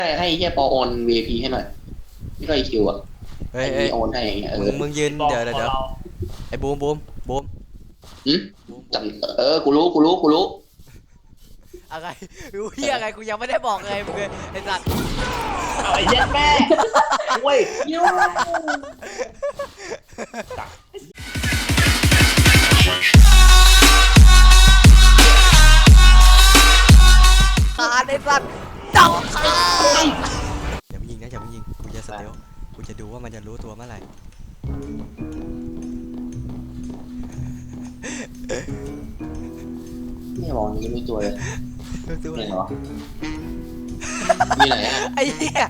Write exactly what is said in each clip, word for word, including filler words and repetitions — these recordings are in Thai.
ให้ให้เฮียปอโอน วี ไอ พี ให้หน่อยไม่ก็ไอคิวอ่ะเฮ้ยไอเฮ้ยโอนให้อย่างเงี้ยเอมึองมึงยืนเดี๋ยวเดี๋ยวเดี๋ยวไอ้บูมบูมบูมหืมบูมจำเออกูรู้กูรู้กูรู้อะไรรู้เฮียอะไรกูยังไม่ได้บอกเลยมึงเลยไอ้สัตว์เอาไอ้เหี้ย็ดแม่เว้ยยิ้วขาดไอ้สัตว์จับขาอย่าไปยิงนะอย่าไปยิงกูจะสเตลกูจะดูว่ามันจะรู้ตัวเมื่อไหร่ไม่มองนี้ไม่ตัวเลยรู้ตัวเนี่ยเหรอมีไหนอ่ะไอ้เหี้ย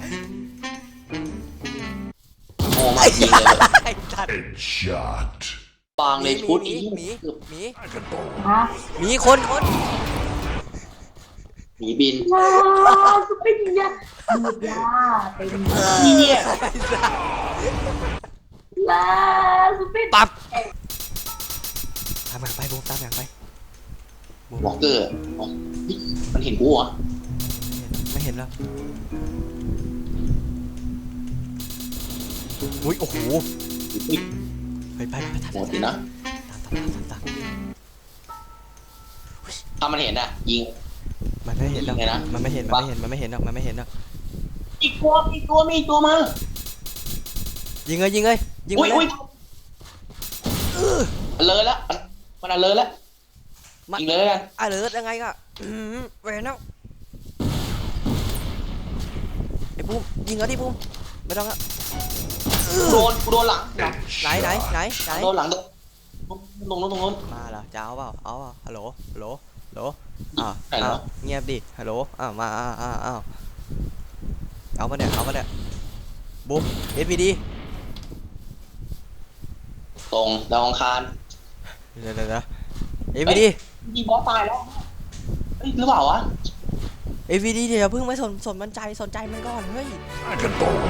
โอ้มาจริงเลยไอ้สัตว์ Shot. ปางเลยชุดหมีอีหมีหมีฮะหมีคนคนหมีบินลาสุเป็นยาหยุดยาเป็นนี่เนี่ยไอ้สัตว์ลาสุเป็นปั๊บตามหลังไปบูมตามหลังไปบูมวอลเกอร์อ๋อนี่มันเห็นกูเหรอไม่เห็นแล้วอุ้ยโอ้โหอุ๊ยไปไปไปตามหมดเลยนะตามตามตามตามถ้ามันเห็นอ่ะยิงมันไม่เห็นหรอกยิงเลยนะมันไม่เห็นมันไม่เห็นมันไม่เห็นหรอกมันไม่เห็นหรอกอีกตัวอีกตัวมีอีกตัวมายิงเลยยิงเลยยิงอุ้มาย เลอุ้ยยเลยแล้วมันมันเลยแล้วยิงเลยแล้วกันอ่ะเหลือยังไงก็อืมเวนแล้วไอ้บูมยิงเอาดิบูมไม่ต้องละโดนกูโดนหลังไหนไหนไหนไหนโดนหลังโดนตรงนู้นตรงนู้นมาเหรอจะเอาเปล่าเอาเปล่าฮัลโหลฮัลโหลฮัลโหลอ่าวไหนเหรออ้าวเงียบดิฮัลโหลอ้าวมาอ้าวอ้าวอ้าวเอามาเนี่ยเอามาเนี่ยบูมเอสพีดีตรงดาวอังคารเดี๋ยวเดี๋ยวเดี๋ยวเอสพีดียิงบอสตายแล้วเฮ้ยหรือเปล่าวะเอสพีดีเดี๋ยวเพิ่งไม่สนสนมันใจสนใจมันก่อนเฮ้ยเออ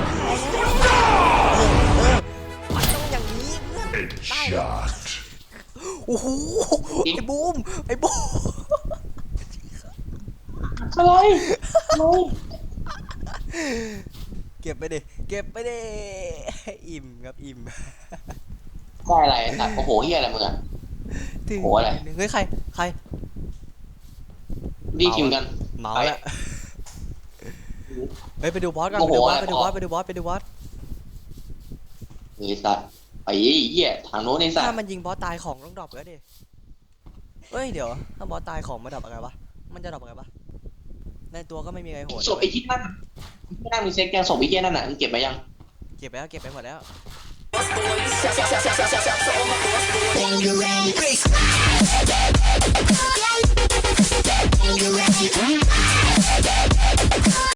เออมันต้องอย่างนี้เพื่อนได้เหรอ Shot. โอ้โหไอ้บูมไอ้บูมอะไรอะไรเก็บไปดิเก็บไปดิอิ่มครับอิ่มได้อะไรสัตว์โอ้โหเฮียอะไรมึงอ่ะถึงโอ้อะไรเฮ้ยใครใครรีบพิมพ์กันเมาแล้วเฮ้ยไปดูบอสกันโอ้ไปโหดูบอสอะไรไปดูบอสไปดูบอสไปดูบอสไอ้สัตว์ไอ้เหี้ยทางโน้นไอ้สัตถ้าว์มันยิงบอสตายของต้องดรอปแล้วดิเฮ้ยเดี๋ยวถ้าบอสตายของมาดรอปอะไรวะมันจะดรอปอะไรวะในตัวก็ไม่มีอะไรโหดศพไอ้ที่นั่นที่นั่นมีเซ็กแกงศพไอ้เหี้ยนั่นน่ะมึงเก็บไปยังเก็บไปแล้วเก็บไปหมดแล้ว